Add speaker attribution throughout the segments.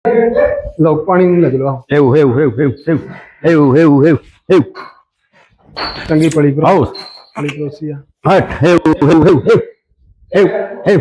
Speaker 1: ਲਓ ਪਾਣੀ ਨਹੀਂ ਲੱਗ ਲਓ
Speaker 2: हेव हेव हेव हेव हेव हेव हेव हेव हेव
Speaker 1: ਚੰਗੀ ਪਲੀ ਪਰ
Speaker 2: आओ
Speaker 1: ਪਲੀ ਪਰੋਸੀ ਆ
Speaker 2: हट हेव हेव हेव हेव हेव हेव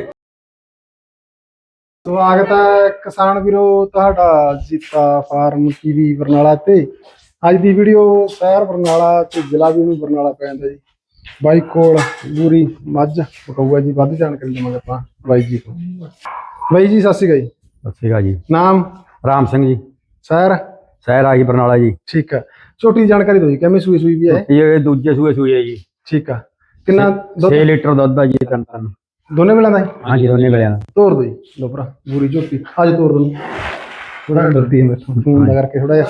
Speaker 1: ਸਵਾਗਤ ਹੈ ਕਿਸਾਨ ਵੀਰੋ ਤੁਹਾਡਾ ਜੀਤਾ ਫਾਰਮ ਟੀਵੀ ਬਰਨਾਲਾ ਤੇ ਅੱਜ ਦੀ ਵੀਡੀਓ ਸ਼ਹਿਰ ਬਰਨਾਲਾ ਤੇ ਜ਼ਿਲ੍ਹਾ ਵੀ ਨੂੰ ਬਰਨਾਲਾ ਪੈ ਜਾਂਦਾ ਜੀ। ਬਾਈ ਕੋਲ ਪੂਰੀ ਮੱਝ ਬਕਾਊਆ ਜੀ ਵੱਧ ਜਾਣਕਾਰੀ ਦੇਵਾਂਗੇ ਆਪਾਂ ਬਾਈ ਜੀ ਤੋਂ। ਬਾਈ ਜੀ ਸਤਿ ਸ਼੍ਰੀ ਅਕਾਲ ਜੀ।
Speaker 2: सत श्री अकाल जी।
Speaker 1: ਨਾਮ
Speaker 2: राम सिंह जी।
Speaker 1: ਸ਼ਹਿਰ
Speaker 2: शहर आई बरनाला जी।
Speaker 1: ठीक है। छोटी जानकारी दो जी किमें सूई सूई भी है
Speaker 2: ये दूजे सूए सूई है जी।
Speaker 1: ठीक है। कितना
Speaker 2: 6 लीटर दुध है जी। तन तन
Speaker 1: दोने वेला दा
Speaker 2: हाँ जी दोनों वेले
Speaker 1: तोड़ दो जी। लो भरा पूरी झोटी आज तोड़ दो थोड़ा डरती है मेरे फोन लगा के थोड़ा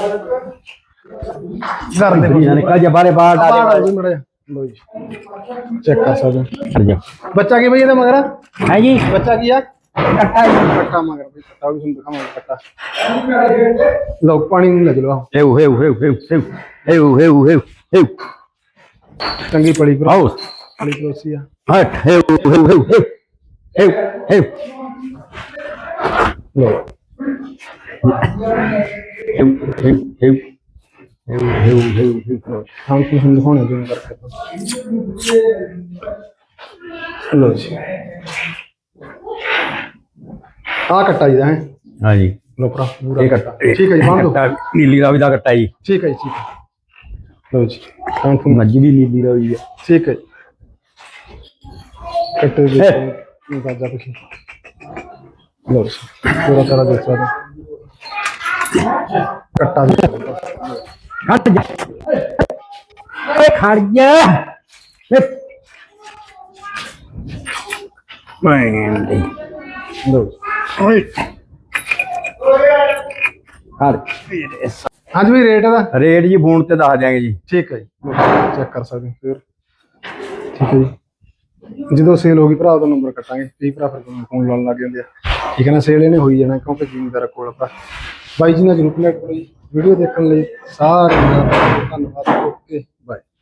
Speaker 1: कर दे
Speaker 2: निकल जा बारे बाहर डाले
Speaker 1: मड़ा लो जी चेक कर सकते
Speaker 2: हट जा
Speaker 1: बच्चा की भैया मगर
Speaker 2: है जी।
Speaker 1: बच्चा की है कट्टा कट्टा मगर भाई कट्टा भी सुन दिखाऊंगा कट्टा लो पानी नहीं लग लो
Speaker 2: हेव हेव हेव हेव हेव हेव हेव हेव हेव
Speaker 1: चंगी पड़ी पर
Speaker 2: आओ
Speaker 1: पड़ी पड़ोसी है
Speaker 2: हट हेव हेव हेव हेव हेव हेव
Speaker 1: लो
Speaker 2: हेव हेव हेव हेव हेव हेव हेव
Speaker 1: हम कुछ दिखाने जो करके लो जी आ कट्टा जी है
Speaker 2: हाँ जी
Speaker 1: लो पूरा पूरा कट्टा ठीक है जी बांध दो
Speaker 2: नीली रावी का कट्टा जी।
Speaker 1: ठीक है जी ठीक है लो जी कान फून
Speaker 2: मज्जी भी नीली रावी है।
Speaker 1: ठीक है कट्टे दे गाजा कुछ लो जी पूरा तरह देख सकते कट्टा भी
Speaker 2: हट जा ए खड़ जा मैं
Speaker 1: लो
Speaker 2: ओए हट
Speaker 1: हाँ जी भाई रेट है
Speaker 2: रेट जी फोन ते दस देंगे जी।
Speaker 1: ठीक है जी चेक कर सकते फिर ठीक है जी जो सेल होगी भरा तो नंबर कटांगे कई भरा फिर फोन लाने लग जाते हैं ठीक है ना सेल इन्हें हो ही जाना क्योंकि जिमीदार कोल बाई जी ने जरूर कनेक्ट करो जी वीडियो देखने सारे धन्यवाद ओके बाय।